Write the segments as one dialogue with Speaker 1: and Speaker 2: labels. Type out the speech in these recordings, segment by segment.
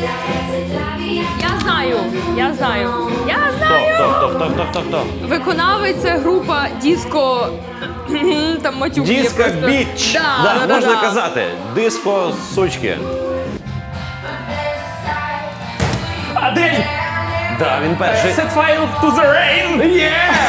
Speaker 1: Я знаю.
Speaker 2: Хто?
Speaker 1: Виконавець це група Диско... Там матюк є
Speaker 2: Диско
Speaker 1: просто.
Speaker 2: Біч.
Speaker 1: Да,
Speaker 2: можна казати. Диско сучки.
Speaker 3: Адель!
Speaker 2: Да, він перший.
Speaker 3: Set fire to the rain!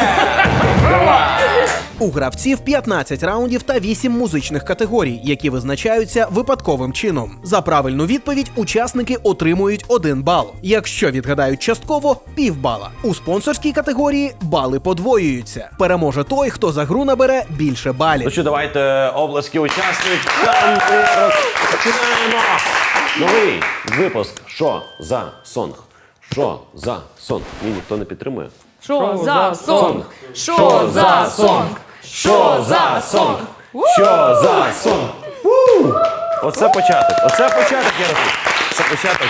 Speaker 4: У гравців 15 раундів та 8 музичних категорій, які визначаються випадковим чином. За правильну відповідь учасники отримують 1 бал. Якщо відгадають частково – півбала. У спонсорській категорії бали подвоюються. Переможе той, хто за гру набере більше балів.
Speaker 2: Ну що, давайте обласки учасникам. Починаємо. Новий випуск. Що за сонг? Що за сонг? Ні, ніхто не підтримує.
Speaker 1: Що за сонг?
Speaker 2: Що за сонг? Що за сонг? Що за сонг? Оце початок, я рахую. Це початок.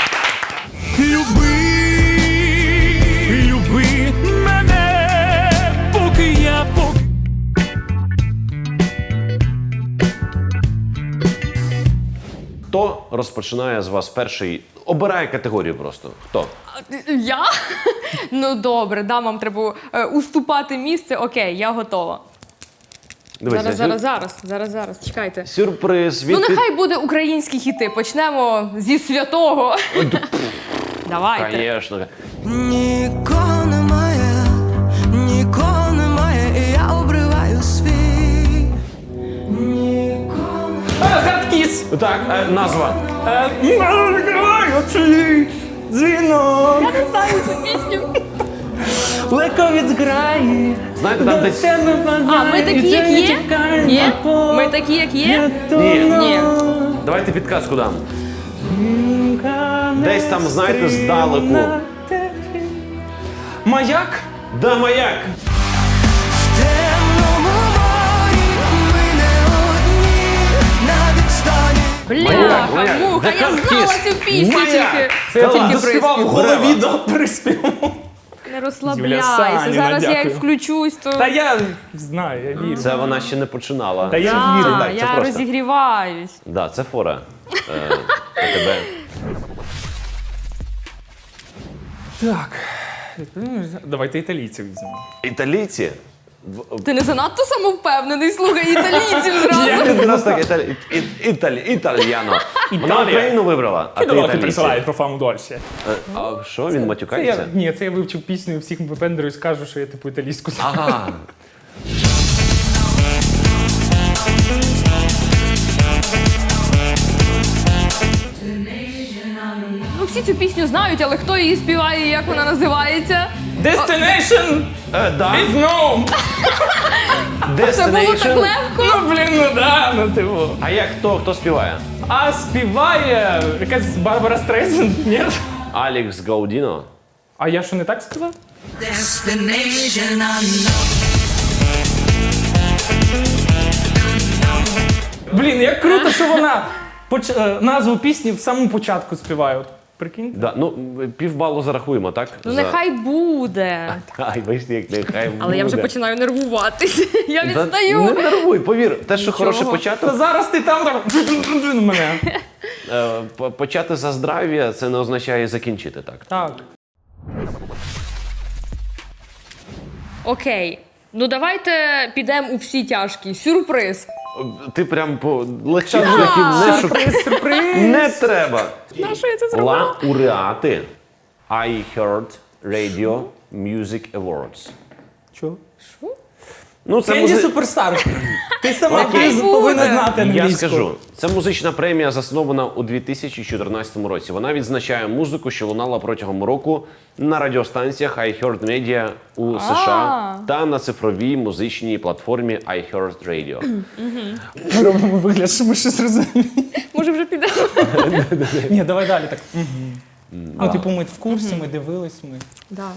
Speaker 3: Люби мене, поки я
Speaker 2: Хто розпочинає з вас перший? Обирає категорію просто. Хто?
Speaker 1: Я? Ну добре, да, вам треба уступати місце. Окей, я готова.
Speaker 2: Дивіться,
Speaker 1: Зараз, чекайте.
Speaker 2: сюрприз
Speaker 1: Ну
Speaker 2: від...
Speaker 1: нехай буде українські хіти. Почнемо зі святого. Давайте.
Speaker 2: Конечно.
Speaker 5: Нікого немає, і я обриваю свій. Нікого
Speaker 3: Хардкіс!
Speaker 2: Так, назва.
Speaker 3: Відкриваю цей дзвінок.
Speaker 1: Я не знаю цю пісню.
Speaker 3: Лековець грає.
Speaker 2: Знаєте, там десь...
Speaker 1: А, ми такі, як є? Ні? Ми такі, як є? Ні.
Speaker 2: Давайте підказку дам. Десь там, знаєте, здалеку.
Speaker 3: Маяк?
Speaker 2: Да, маяк.
Speaker 5: в темному морі, ми не одні на відстані.
Speaker 1: Бляха,
Speaker 2: Маяк.
Speaker 1: муха,
Speaker 2: The
Speaker 1: я знала
Speaker 2: Hardkiss.
Speaker 1: цю пісню
Speaker 2: Маяк.
Speaker 1: тільки.
Speaker 3: Це я
Speaker 1: Тільки
Speaker 3: доспівав в
Speaker 1: приспів.
Speaker 3: голові до приспіву.
Speaker 1: Не
Speaker 3: Юля
Speaker 1: розслабляйся.
Speaker 3: Саніна,
Speaker 1: Зараз я як
Speaker 3: дякую.
Speaker 1: включусь, то...
Speaker 3: Та я знаю, я вірю.
Speaker 2: Це вона ще не починала.
Speaker 3: Та я
Speaker 1: А,
Speaker 3: вірю.
Speaker 2: так, це
Speaker 1: я
Speaker 2: просто.
Speaker 1: розігріваюсь.
Speaker 2: Да, це фора. Тебе.
Speaker 3: Так. Давайте італійців візьмемо.
Speaker 2: Італійці?
Speaker 1: Ти не занадто самовпевнений, слухай італійців зразу.
Speaker 2: Якраз так, італьяно. Вона Україну вибрала, а ти
Speaker 3: Кидалоки
Speaker 2: італійці.
Speaker 3: присилають про фаму дольше.
Speaker 2: А що, він
Speaker 3: Це
Speaker 2: матюкається?
Speaker 3: ні, це я вивчив пісню і всіх випендрую і скажу, що я типу італійську знаю.
Speaker 2: Ага.
Speaker 1: Ну всі цю пісню знають, але хто її співає і як вона називається?
Speaker 3: Destination
Speaker 2: Да.
Speaker 3: is no!
Speaker 1: Це було так
Speaker 2: Destination.
Speaker 1: легко.
Speaker 3: Ну, блін, ну да, ну типу.
Speaker 2: А як хто співає?
Speaker 3: А співає якась Барбара Стрейзенд, ні?
Speaker 2: Алекс Гаудіно?
Speaker 3: А я що не так сказав?
Speaker 5: Destination unknown.
Speaker 3: Блін, як круто, що вона назву пісні в самому початку співає. От, прикиньте.
Speaker 2: Да, ну, півбалу зарахуємо, так?
Speaker 1: Ну нехай буде.
Speaker 2: Ай, бачите, як нехай буде.
Speaker 1: Але я вже починаю нервуватись. Я
Speaker 2: Не
Speaker 1: відстаю.
Speaker 2: нервуй, повір. Те, що хороший
Speaker 3: Та
Speaker 2: початок,
Speaker 3: зараз ти там так мене.
Speaker 2: почати за здрав'я, це не означає закінчити так.
Speaker 3: Так.
Speaker 1: Окей. Ну давайте підемо у всі тяжкі. Сюрприз.
Speaker 2: Ти прям по легших шляхів не шукай.
Speaker 3: Сюрприз.
Speaker 2: Не треба.
Speaker 1: На що я це зробила?
Speaker 2: Лауреати iHeart Radio Music Awards.
Speaker 3: Чого?
Speaker 2: Ну, це
Speaker 3: Кенді Суперстар. Ти сама
Speaker 1: Окей.
Speaker 3: повинна знати
Speaker 2: Я
Speaker 3: англійську.
Speaker 2: скажу, це музична премія, заснована у 2014 році. Вона відзначає музику, що лунала протягом року на радіостанціях iHeart Media у США та на цифровій музичній платформі iHeart Radio.
Speaker 3: Ми робимо вигляд, що ми щось розуміємо.
Speaker 1: Може вже підемо?
Speaker 3: Ні, давай далі так. Ну, типу, ми в курсі, ми дивились, ми.
Speaker 1: Да.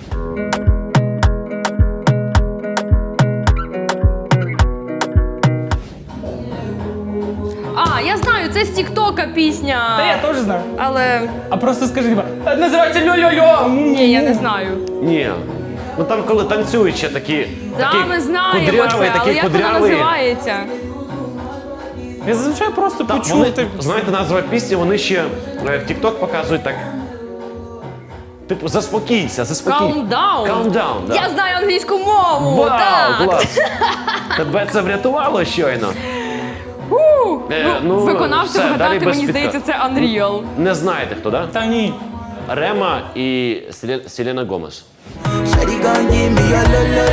Speaker 1: А, я знаю, це з Тіктока пісня.
Speaker 3: Та я теж знаю.
Speaker 1: Але
Speaker 3: А просто скажи, типа, називається льо-льо-льо.
Speaker 1: ні, я не знаю.
Speaker 2: Ні. Ну там, коли танцюють ще такі,
Speaker 1: Да,
Speaker 2: такі
Speaker 1: ми знаємо
Speaker 2: кудряві,
Speaker 1: це, але
Speaker 2: такі
Speaker 1: як вона
Speaker 2: кудряві.
Speaker 1: називається?
Speaker 3: Я зазвичай просто
Speaker 2: Та,
Speaker 3: почув.
Speaker 2: вони, знаєте, назва пісні, вони ще в TikTok показують так. Типу, заспокійся.
Speaker 1: Calm down.
Speaker 2: Calm down, да.
Speaker 1: Я знаю англійську мову.
Speaker 2: Вау,
Speaker 1: так.
Speaker 2: клас! Тебе це врятувало щойно. Ну,
Speaker 1: Виконавцю
Speaker 2: все, далі
Speaker 1: вгадати,
Speaker 2: без
Speaker 1: мені здається, це Unreal.
Speaker 2: Не знаєте хто, да?
Speaker 3: Та ні.
Speaker 2: Рема і Селена Гомес.
Speaker 5: Shawty gon' give me a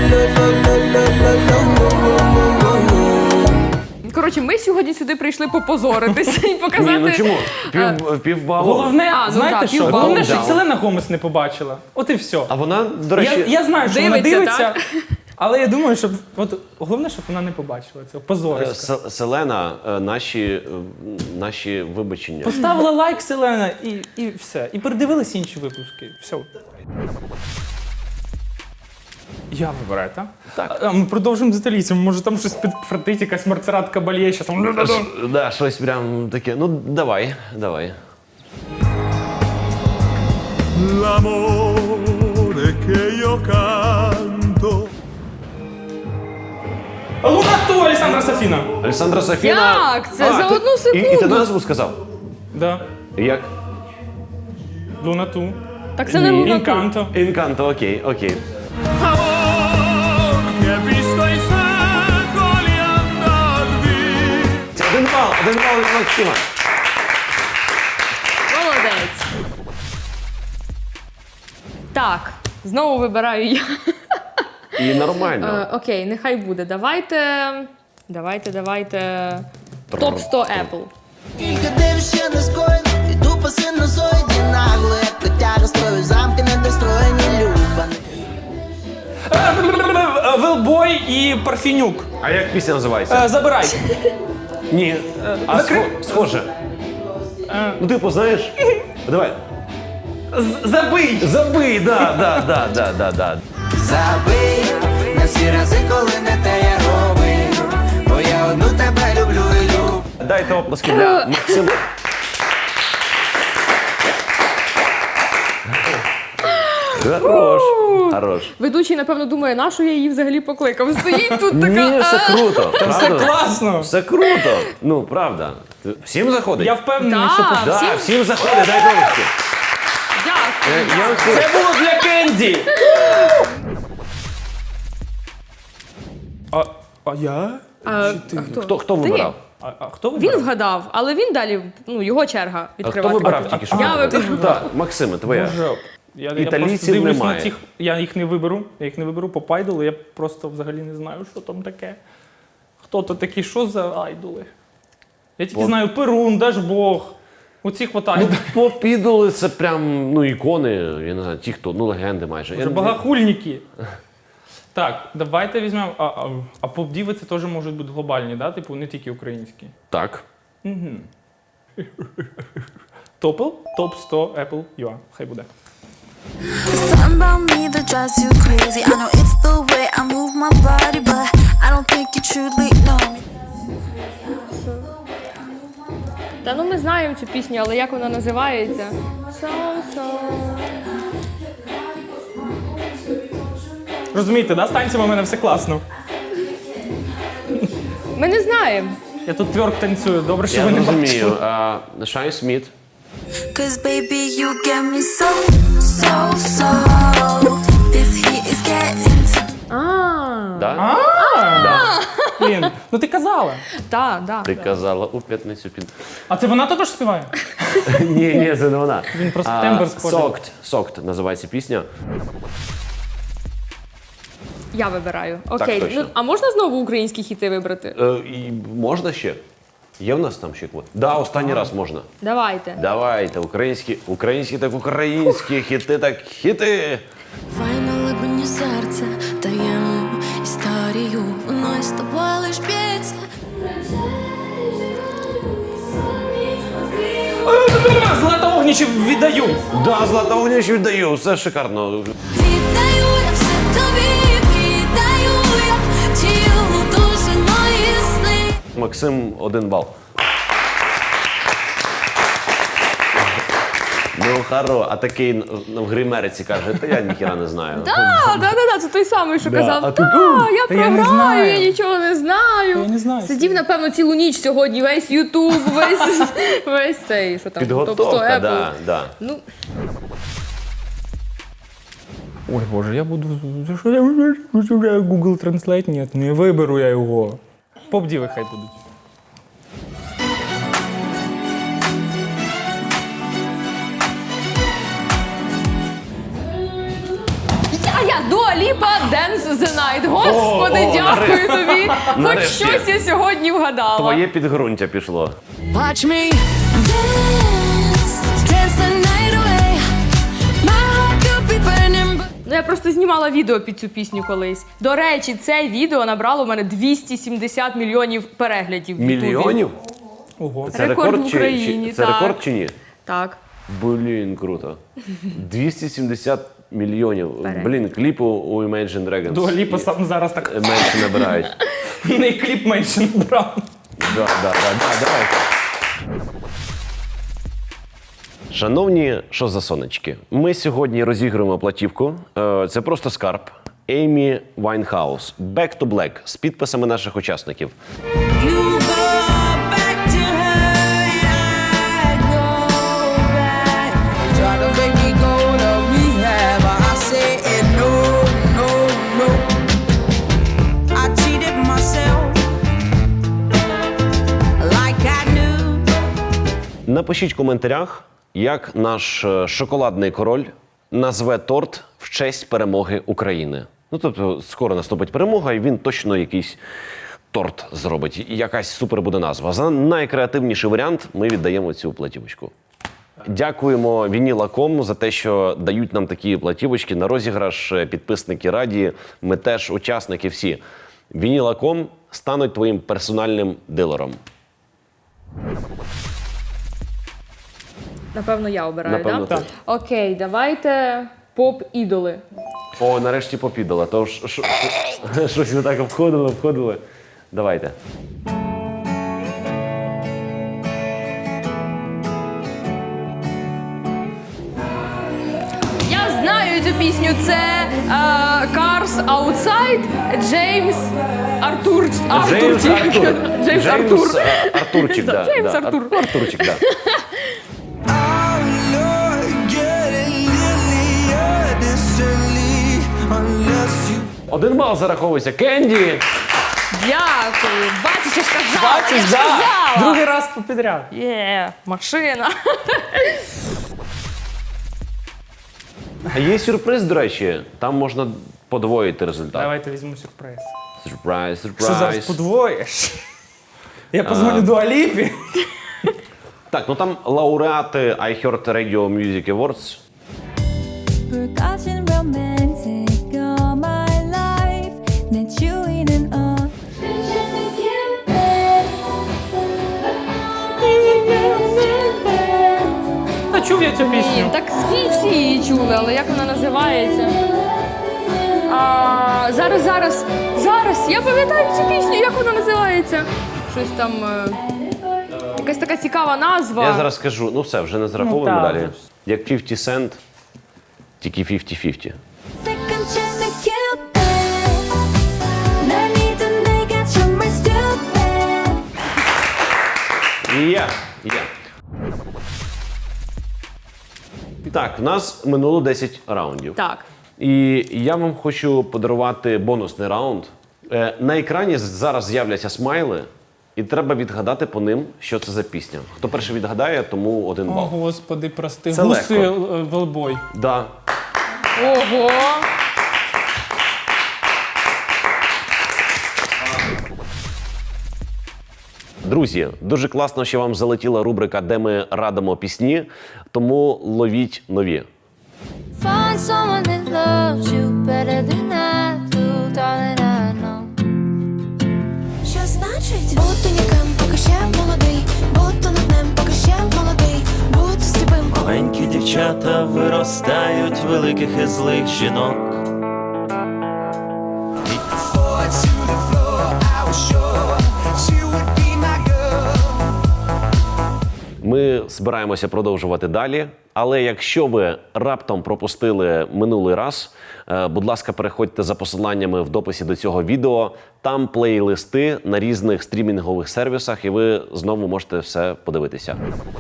Speaker 1: Коротше, ми сьогодні сюди прийшли попозоритися і показати.
Speaker 2: Ні, ну чому? Півбалу.
Speaker 3: Головне,
Speaker 1: ну
Speaker 3: знаєте
Speaker 1: так,
Speaker 3: що?
Speaker 1: півбалу.
Speaker 3: Головне, що
Speaker 2: Calm down.
Speaker 3: Селена Гомес не побачила. От і все.
Speaker 2: А вона, до речі,
Speaker 3: Я знаю, що вона
Speaker 1: Дивиться,
Speaker 3: дивиться,
Speaker 1: так?
Speaker 3: але я думаю, що от, головне, щоб вона не побачила цього. Позориська.
Speaker 2: Селена, наші вибачення.
Speaker 3: Поставила лайк Селена і все. І передивились інші випуски. Все. Я вибираю, так?
Speaker 2: Так.
Speaker 3: А ми продовжимо з італійцем. Може там щось підфартить, якась Марцерат Кабальє, що там.
Speaker 2: Да, щось прям таке. Ну, давай.
Speaker 6: L'amore che io canto.
Speaker 3: Лунату Олександра Сафіна.
Speaker 2: Олександра Сафіна.
Speaker 1: Як? Це за одну
Speaker 2: І ти
Speaker 1: секунду.
Speaker 2: назву сказав?
Speaker 3: Да.
Speaker 2: Як?
Speaker 3: Лунату.
Speaker 1: Так це не Луна Ту.
Speaker 3: Інканто.
Speaker 2: Інканто, окей.
Speaker 6: Amor che ha visto i secoli andar via.
Speaker 2: Це один бал від Максима.
Speaker 1: Молодець. Так, знову вибираю я.
Speaker 2: І нормально.
Speaker 1: Окей, нехай буде. Давайте. Топ 100 Apple.
Speaker 7: Тільки дивишся на скоєно, і тупо синусоїді нагло, як котяга строю, замки недостроєні, любаний.
Speaker 3: Велбой і Парфінюк.
Speaker 2: А як пісня називається?
Speaker 3: Забирай.
Speaker 2: Ні. А схоже. Ну, типу, знаєш? Давай. Забий, да.
Speaker 7: Забий на всі рази, коли не те я робив, бо я одну тебе люблю і люблю.
Speaker 2: Дайте оплески для Максима. Хорош.
Speaker 1: Ведучий, напевно, думає, на що я її взагалі покликав. Стоїть тут така.
Speaker 2: Ні, все круто.
Speaker 3: Все
Speaker 2: правда?
Speaker 3: класно.
Speaker 2: Все круто. Ну, правда. Всім заходить?
Speaker 3: Я впевнений,
Speaker 1: Да.
Speaker 3: що
Speaker 2: Да,
Speaker 1: всім-
Speaker 2: всім заходить, дай оплески.
Speaker 1: Дякую.
Speaker 3: це було для Кенді. А я?
Speaker 2: Хто вибирав?
Speaker 3: А хто вибирав?
Speaker 1: Він вгадав, але він далі, його черга
Speaker 2: А хто
Speaker 1: відкривати.
Speaker 2: вибирав тільки що?
Speaker 1: Я вибрав.
Speaker 2: Так, Максиме, твоя.
Speaker 3: Боже, я
Speaker 2: Італійців
Speaker 3: просто дивлюсь
Speaker 2: немає.
Speaker 3: на тих, я їх не виберу по пайдолу, я просто взагалі не знаю, що там таке. Хто то такі, що за айдоли? Я тільки знаю Перун, Дажбог, оці хватає.
Speaker 2: Попідали це прям, ікони, я не знаю, ті, хто, легенди майже.
Speaker 3: Вже багахульники. Так, давайте візьмемо. А поп-діви це теж можуть бути глобальні, да? Типу, не тільки українські.
Speaker 2: Так.
Speaker 3: Топ 100 Apple UA. Хай буде.
Speaker 8: Something about me that drives you crazy. I know it's the way I move my body, but I don't think you truly know me.
Speaker 1: Та ну ми знаємо цю пісню, але як вона називається?
Speaker 3: Розумієте, да? З танцями у мене все класно.
Speaker 1: Ми не знаємо.
Speaker 3: Я тут тверк танцюю, добре, що
Speaker 2: Я
Speaker 3: ви не
Speaker 2: розумію.
Speaker 3: бачили.
Speaker 2: Шай Сміт.
Speaker 8: Cause baby, you get me so. This heat is getting to
Speaker 2: Да?
Speaker 3: Блін, ну ти казала.
Speaker 1: Так.
Speaker 2: Ти казала у п'ятницю під...
Speaker 3: А це вона також співає?
Speaker 2: Ні, це не вона.
Speaker 3: Він просто тембр схожий.
Speaker 2: Soaked називається пісня.
Speaker 1: Я вибираю. Окей.
Speaker 2: точно.
Speaker 1: Ну, а можна знову українські хіти вибрати?
Speaker 2: І можна ще? Є в нас там ще квот? Да, останній раз можна.
Speaker 1: Давайте.
Speaker 2: Давайте, українські хіти так хіти.
Speaker 8: Файно глибині серця, таємну історію, воно із тобою лиш б'ється.
Speaker 3: Злата Огнічів віддаю.
Speaker 2: Да, Злата Огнєвич віддаю, все шикарно.
Speaker 8: Віддаю я все тобі, віддаю я тіло, душу, мої сни.
Speaker 2: Максим 1 бал. Ну, хоро, а такий в гримериці каже, та я ніхіра не знаю.
Speaker 1: Да, це той самий, що казав,
Speaker 2: а ти
Speaker 1: я
Speaker 3: Та я не
Speaker 1: програю,
Speaker 3: знаю.
Speaker 1: я нічого не знаю.
Speaker 3: Я не знаю.
Speaker 1: Сидів, напевно, цілу ніч сьогодні, весь Ютуб, весь цей, що там, топ 100
Speaker 2: Підготовка,
Speaker 1: Apple.
Speaker 2: да.
Speaker 1: Ну,
Speaker 3: Ой, Боже, я буду... За що я Google Translate? Ні, не виберу я його. Поп-діви хай будуть.
Speaker 1: я Дуа Ліпа, Dance the Night. Господи, дякую тобі. Хоч
Speaker 2: Нарешті.
Speaker 1: щось я сьогодні вгадала.
Speaker 2: Твоє підґрунтя пішло.
Speaker 8: Watch me dance, dance the night away. My heart could be burning, but
Speaker 1: Ну, я просто знімала відео під цю пісню колись. До речі, це відео набрало у мене 270 мільйонів переглядів. в Ютубі.
Speaker 2: Мільйонів?
Speaker 3: Ого.
Speaker 2: Це
Speaker 1: Рекорд в
Speaker 2: рекорд чи,
Speaker 1: Україні,
Speaker 2: це
Speaker 1: так.
Speaker 2: рекорд чи ні?
Speaker 1: Так.
Speaker 2: Блін, круто. 270 мільйонів.
Speaker 1: Перегляд.
Speaker 2: Блін, кліпу у Imagine Dragons.
Speaker 3: Дуа Ліпа сам зараз так
Speaker 2: Менше набирають.
Speaker 3: не кліп менше набрав.
Speaker 2: Давайте. Шановні що за сонечки, ми сьогодні розігруємо платівку. Це просто скарб. Еймі Вайнхаус. Back to Black з підписами наших учасників.
Speaker 8: you go back to her, I go back.
Speaker 7: Try to make me go to rehab, I say no, no, no.
Speaker 8: I cheated myself like I knew.
Speaker 2: Напишіть в коментарях, як наш шоколадний король назве торт в честь перемоги України. Ну, тобто, скоро наступить перемога, і він точно якийсь торт зробить. І якась супер буде назва. За найкреативніший варіант ми віддаємо цю платівочку. Дякуємо Vinyl.com за те, що дають нам такі платівочки на розіграш. Підписники раді, ми теж учасники всі. Vinyl.com стануть твоїм персональним дилером.
Speaker 1: Напевно, я обираю,
Speaker 2: Напевно,
Speaker 1: да?
Speaker 2: так.
Speaker 1: Окей, давайте поп-ідоли.
Speaker 2: О, нарешті попідала. То щось не так обходили. Давайте.
Speaker 1: Я знаю цю пісню. Це Cars Outside, Джеймс Артур.
Speaker 2: Джеймс Артур.
Speaker 1: Джеймс Артур.
Speaker 2: Артурчик, да.
Speaker 1: Джеймс
Speaker 2: да.
Speaker 1: Артур.
Speaker 2: Артурчик, да.
Speaker 7: Oh Lord, get a little distantly, unless you
Speaker 2: 1 бал зараховується. Кенді!
Speaker 1: Дякую. Бачиш, я ж казала.
Speaker 3: Бачиш,
Speaker 1: я ж
Speaker 3: да.
Speaker 1: казала.
Speaker 3: Другий раз підряд.
Speaker 1: Машина.
Speaker 2: А є сюрприз, до речі. Там можна подвоїти результат.
Speaker 3: Давайте візьму сюрприз.
Speaker 2: Сюрприз,
Speaker 3: Що зараз
Speaker 2: сюрприз.
Speaker 3: подвоїш? Я позвоню Дуа Ліпі.
Speaker 2: Так, ну там лауреати I Heard Radio Music Awards.
Speaker 8: Forgotten romantic all my life. Met you in an
Speaker 3: Та чув я цю
Speaker 1: Блін,
Speaker 3: пісню.
Speaker 1: так всі її чули, але як вона називається? Зараз. Я пам'ятаю цю пісню, як вона називається? Щось там. Якась така цікава назва.
Speaker 2: Я зараз скажу, ну все, вже не зараховуємо
Speaker 3: Ну, так.
Speaker 2: далі. Як 50 Cent, тільки 50-50.
Speaker 8: second chance to kill back. 날 믿은 내가 정말 stupid.
Speaker 2: Є. Так, в нас минуло 10 раундів.
Speaker 1: Так.
Speaker 2: І я вам хочу подарувати бонусний раунд. На екрані зараз з'являться смайли, і треба відгадати по ним, що це за пісня. Хто перший відгадає, тому 1
Speaker 3: О,
Speaker 2: бал.
Speaker 3: Господи, прости.
Speaker 2: Це
Speaker 3: Гуси
Speaker 2: легко.
Speaker 3: велбой.
Speaker 2: Да.
Speaker 1: Ого.
Speaker 2: Друзі, дуже класно, що вам залетіла рубрика, де ми радимо пісні, тому ловіть нові.
Speaker 8: Find someone that loves you better than I do, darling, I know. Що значить? Бути ніким, поки ще молодий, бути над ним, поки ще молодий, бути сліпим.
Speaker 6: Маленькі дівчата виростають великих і злих жінок.
Speaker 7: fall to the floor, I was sure she would be my girl.
Speaker 2: Ми ми збираємося продовжувати далі. Але якщо ви раптом пропустили минулий раз, будь ласка, переходьте за посиланнями в дописі до цього відео. Там плейлисти на різних стрімінгових сервісах, і ви знову можете все подивитися.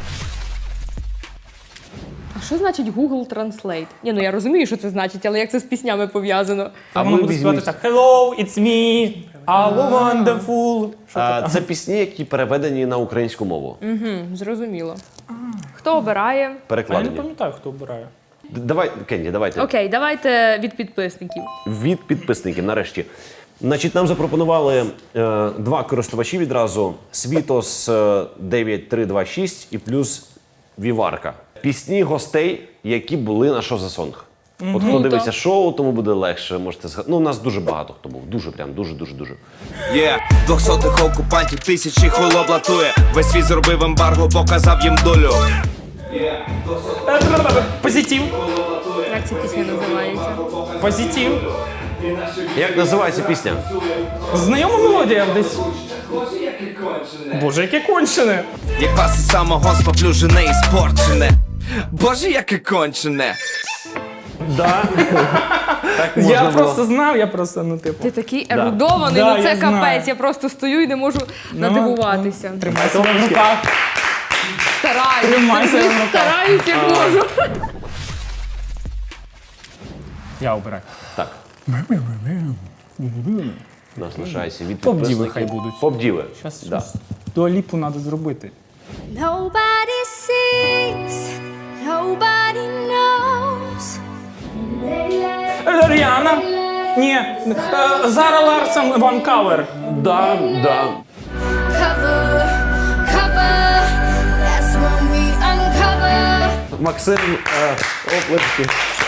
Speaker 1: А що значить Google Translate? Ні, ну я розумію, що це значить, але як це з піснями пов'язано?
Speaker 3: А воно буде співати так: Hello, it's me, I'm wonderful.
Speaker 2: Це пісні, які переведені на українську мову.
Speaker 1: Зрозуміло. Хто обирає?
Speaker 3: А я не
Speaker 2: Перекладені.
Speaker 3: пам'ятаю, хто обирає.
Speaker 2: Давай, Кенді, давайте.
Speaker 1: Окей, давайте від підписників.
Speaker 2: Від підписників, нарешті. Значить, нам запропонували два користувачі відразу. Світос 9326 і плюс Віварка. Пісні гостей, які були на «Що за сонг». От хто дивиться шоу, тому буде легше. Можете згадати. Ну, у нас дуже багато хто був. Дуже прям, дуже.
Speaker 9: Є 200-х окупантів, тисячі холоп латує. Весь світ зробив ембарго, показав їм долю.
Speaker 3: Позитив.
Speaker 1: Як ця пісня називається?
Speaker 3: Позитив.
Speaker 2: Як називається пісня?
Speaker 3: Знайома мелодія десь. Боже, яке кончене.
Speaker 9: Як вас із самого споплюжене і спорчене. Боже, яке кончене.
Speaker 2: Да. Так
Speaker 3: Я
Speaker 2: можна було.
Speaker 3: просто знав, я просто, ну, типу.
Speaker 1: Ти такий ерудований,
Speaker 3: Да,
Speaker 1: ну це
Speaker 3: я знаю.
Speaker 1: капець. Я просто стою і не можу надивуватися.
Speaker 3: Тримай себе в руках. Тримай себе в руках.
Speaker 1: Стараюсь, як можу.
Speaker 3: Я обираю.
Speaker 2: Так. Нас лишається від
Speaker 3: Поп-діви
Speaker 2: підписників.
Speaker 3: хай будуть.
Speaker 2: Поп-діви.
Speaker 3: Зараз
Speaker 2: Да.
Speaker 3: Дуаліпу треба зробити.
Speaker 8: Nobody sees, nobody knows.
Speaker 3: Ріана. Ні. Зара Ларсон, One Cover.
Speaker 2: Да.
Speaker 8: Cover, cover, that's when we uncover.
Speaker 2: Максим, оплески.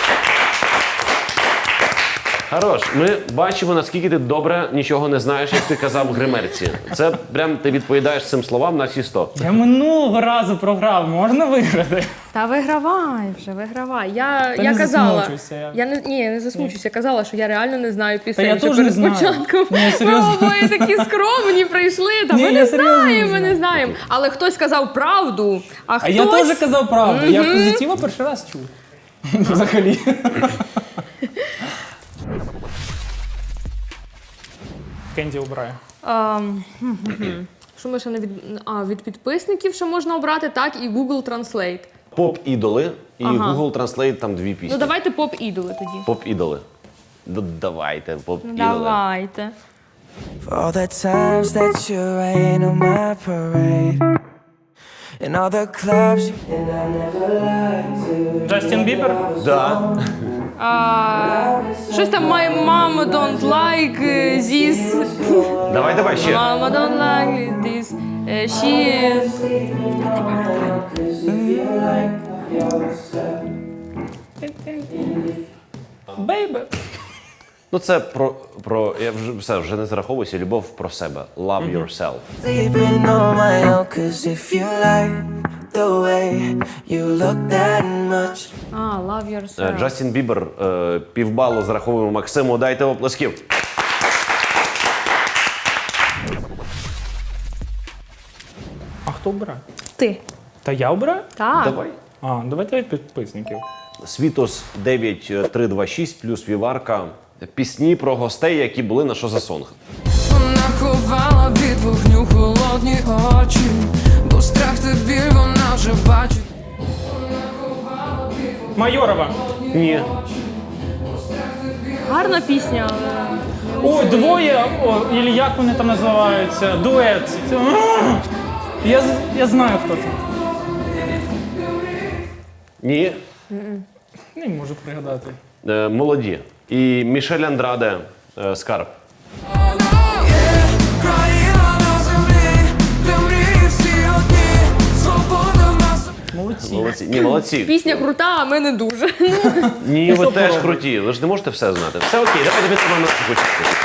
Speaker 2: Хорош. Ми бачимо, наскільки ти добре нічого не знаєш, як ти казав в гримерці. Це прям ти відповідаєш цим словам на всі 100.
Speaker 3: Я минулого разу програв, можна виграти?
Speaker 1: Та вигравай вже, вигравай. Я
Speaker 3: не
Speaker 1: казала.
Speaker 3: засмучуйся,
Speaker 1: Я не засмучуся. Я казала, що я реально не знаю пісень.
Speaker 3: Та я
Speaker 1: ще
Speaker 3: теж не
Speaker 1: перед
Speaker 3: знаю.
Speaker 1: початком.
Speaker 3: Ні,
Speaker 1: Ми
Speaker 3: серйозно.
Speaker 1: обоє такі скромні прийшли. Та
Speaker 3: Ні,
Speaker 1: ми
Speaker 3: я
Speaker 1: не
Speaker 3: серйозно
Speaker 1: знаємо,
Speaker 3: не
Speaker 1: ми не
Speaker 3: знаю.
Speaker 1: знаємо. Але хтось казав правду, а
Speaker 3: А
Speaker 1: хтось...
Speaker 3: я теж казав правду. Я позитива перший раз чув. Взагалі. Кенді обирає.
Speaker 1: Що ми ще не від... від підписників ще можна обрати, так, і Google Translate.
Speaker 2: Поп-ідоли і
Speaker 1: Ага.
Speaker 2: Google Translate там дві пісні.
Speaker 1: Ну давайте поп-ідоли тоді.
Speaker 2: Поп-ідоли. Давайте, поп-ідоли.
Speaker 1: Давайте.
Speaker 7: For all the times that you rain on my parade. In all the clubs you and I never lied to.
Speaker 3: Джастін Бібер?
Speaker 2: Да.
Speaker 1: Щось там My mom don't like this.
Speaker 2: Давай ще.
Speaker 1: Mama don't like this. She...
Speaker 3: Бейбе.
Speaker 2: Ну це про я вже не зараховуюся, любов про себе. Love yourself.
Speaker 7: Sleeping on my own, 'cause if you like the way you look that much.
Speaker 1: Love yourself.
Speaker 2: Джастін Бібер, півбалу зараховуємо Максиму. Дайте оплесків.
Speaker 3: А хто обирає?
Speaker 1: Ти.
Speaker 3: Та я обираю?
Speaker 1: Так.
Speaker 2: Давай.
Speaker 3: Давайте від підписників.
Speaker 2: Світос 9326 плюс Віварка. Пісні про гостей, які були на «Що за сонг».
Speaker 10: Вона ховала від вогню холодні очі, бо страх та біль вона вже бачить.
Speaker 3: Майорова.
Speaker 2: Ні.
Speaker 1: Гарна пісня, але...
Speaker 3: Ой, двоє, і як вони там називаються? Дует. Я знаю, хто це.
Speaker 2: Ні.
Speaker 3: Не можу пригадати.
Speaker 2: Молоді. І Мішель Андраде, Скарб.
Speaker 10: Країна на землі, де мрії всі одні, свобода нас.
Speaker 3: Молодці.
Speaker 2: Ні, молодці.
Speaker 1: Пісня крута, а ми не дуже.
Speaker 2: Ні, ви теж круті. Ви ж не можете все знати. Все окей, давайте підтримаємо почути.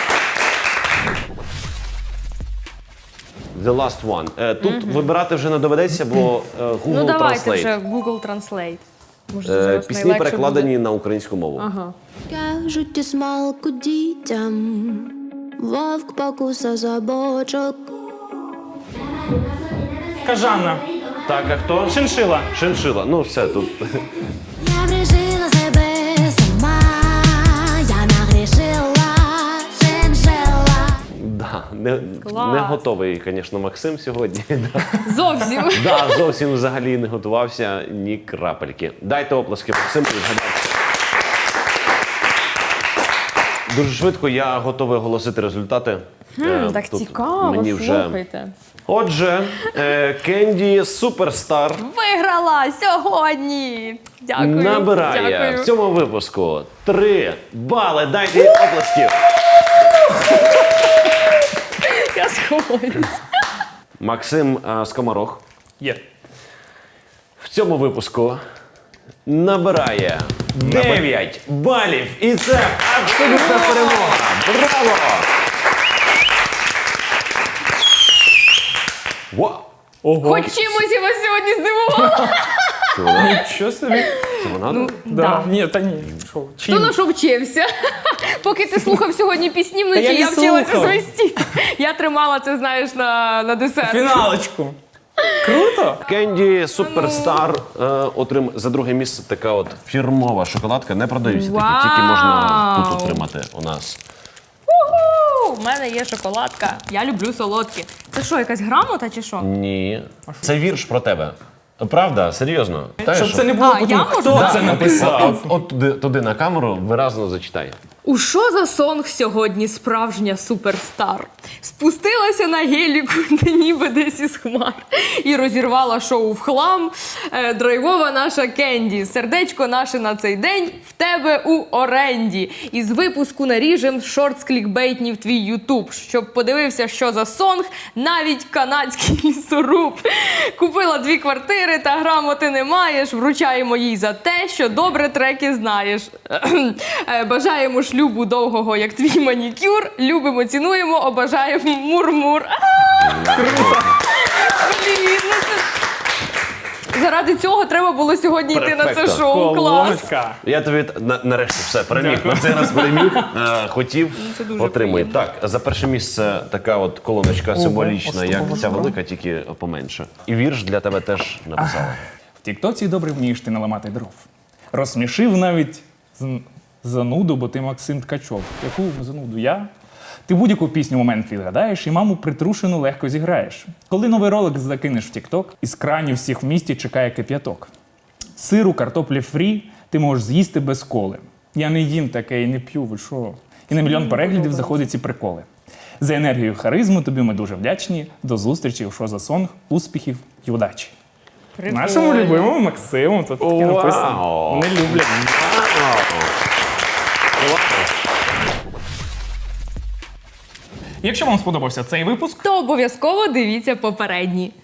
Speaker 2: The last one. Тут вибирати вже не доведеться, бо Google
Speaker 1: Ну давайте
Speaker 2: Translate.
Speaker 1: вже Google Translate. Може, це зараз
Speaker 2: Пісні
Speaker 1: найлегше
Speaker 2: перекладені
Speaker 1: буде.
Speaker 2: на українську мову.
Speaker 1: Ага.
Speaker 8: Кажуть, і смалку дітям, вовк покуса за бочок.
Speaker 3: Кажана.
Speaker 2: Так, а хто?
Speaker 3: Шиншила.
Speaker 2: Шиншила. Ну, все тут.
Speaker 8: Я врішила себе сама, я нагрішила, шиншила.
Speaker 2: Да,
Speaker 1: Клас.
Speaker 2: не готовий, звісно, Максим сьогодні.
Speaker 1: Зовсім.
Speaker 2: Да, зовсім взагалі не готувався ні крапельки. Дайте оплески Максиму, відгадайте. Дуже швидко я готовий оголосити результати.
Speaker 1: Так
Speaker 2: Тут
Speaker 1: цікаво,
Speaker 2: мені вже...
Speaker 1: слухайте.
Speaker 2: Отже, Кенді Суперстар
Speaker 1: Виграла сьогодні. Дякую.
Speaker 2: набирає
Speaker 1: Дякую.
Speaker 2: в цьому випуску 3 бали. Дайте їй оплесків.
Speaker 1: Я сховаюсь.
Speaker 2: Максим Скоморох
Speaker 3: Є.
Speaker 2: в цьому випуску набирає 9 балів. І це абсолютна перемога. Браво! Вау!
Speaker 3: Ого.
Speaker 1: Хоч чимось я вас сьогодні здивувала.
Speaker 2: Це вона?
Speaker 3: Що собі?
Speaker 2: Це вона?
Speaker 3: Да. Ні, та ні. Що? Чим?
Speaker 1: Хто на що вчився? Поки ти слухав сьогодні пісні вночі,
Speaker 3: Та я не
Speaker 1: я вчилася
Speaker 3: слухав.
Speaker 1: свистіти. Я тримала це, знаєш, на десерт.
Speaker 3: Фіналочку. Круто?
Speaker 2: Кенді Суперстар отримав за друге місце така от фірмова шоколадка. Не продаються такі, тільки можна тут отримати у нас.
Speaker 1: Уху! У мене є шоколадка. Я люблю солодкі. Це що, якась грамота чи що?
Speaker 2: Ні. Це вірш про тебе. Правда? Серйозно?
Speaker 3: Щоб це не було
Speaker 1: А,
Speaker 3: потім,
Speaker 1: я можу?
Speaker 3: хто
Speaker 1: Да.
Speaker 3: це написав.
Speaker 2: От туди на камеру виразно зачитай.
Speaker 1: У що за сонг сьогодні справжня суперстар? Спустилася на геліку, ніби десь із хмар, і розірвала шоу в хлам. Драйвова наша Кенді, сердечко наше на цей день в тебе у оренді. Із випуску наріжем шортс клікбейтні в твій ютуб, щоб подивився, що за сонг, навіть канадський лісоруб. Купила 2 квартири та грамоти не маєш, вручаємо їй за те, що добре треки знаєш. Бажаємо шлюбу довгого, як твій манікюр. Любимо, цінуємо, обажаємо мур-мур. Блін, ну це... Заради цього треба було сьогодні йти на це
Speaker 2: Перфекто.
Speaker 1: шоу. Клас.
Speaker 3: Колонка.
Speaker 2: Я тобі нарешті все переміг. На цей раз переміг. Хотів,
Speaker 1: це дуже
Speaker 2: отримуй.
Speaker 1: приємно.
Speaker 2: Так, за перше місце така от колоночка символічна, як ця велика, тільки поменше. І вірш для тебе теж написала.
Speaker 3: В Тіктоці добре вмієш ти наламати дров. Розсмішив навіть зануду, бо ти Максим Ткачов. Яку зануду я? Ти будь-яку пісню в момент відгадаєш і маму притрушену легко зіграєш. Коли новий ролик закинеш в Тікток, із кранів всіх в місті чекає кип'яток. Сиру, картоплі фрі ти можеш з'їсти без коли. Я не їм таке і не п'ю, ви що? І на мільйон переглядів заходять ці приколи. За енергію і харизму тобі ми дуже вдячні. До зустрічі у «Що за сонг», успіхів і удачі. Нашому любимому Максиму тут таке написано.
Speaker 2: Вау!
Speaker 3: Не люблять. Якщо вам сподобався цей випуск,
Speaker 1: То обов'язково дивіться попередні.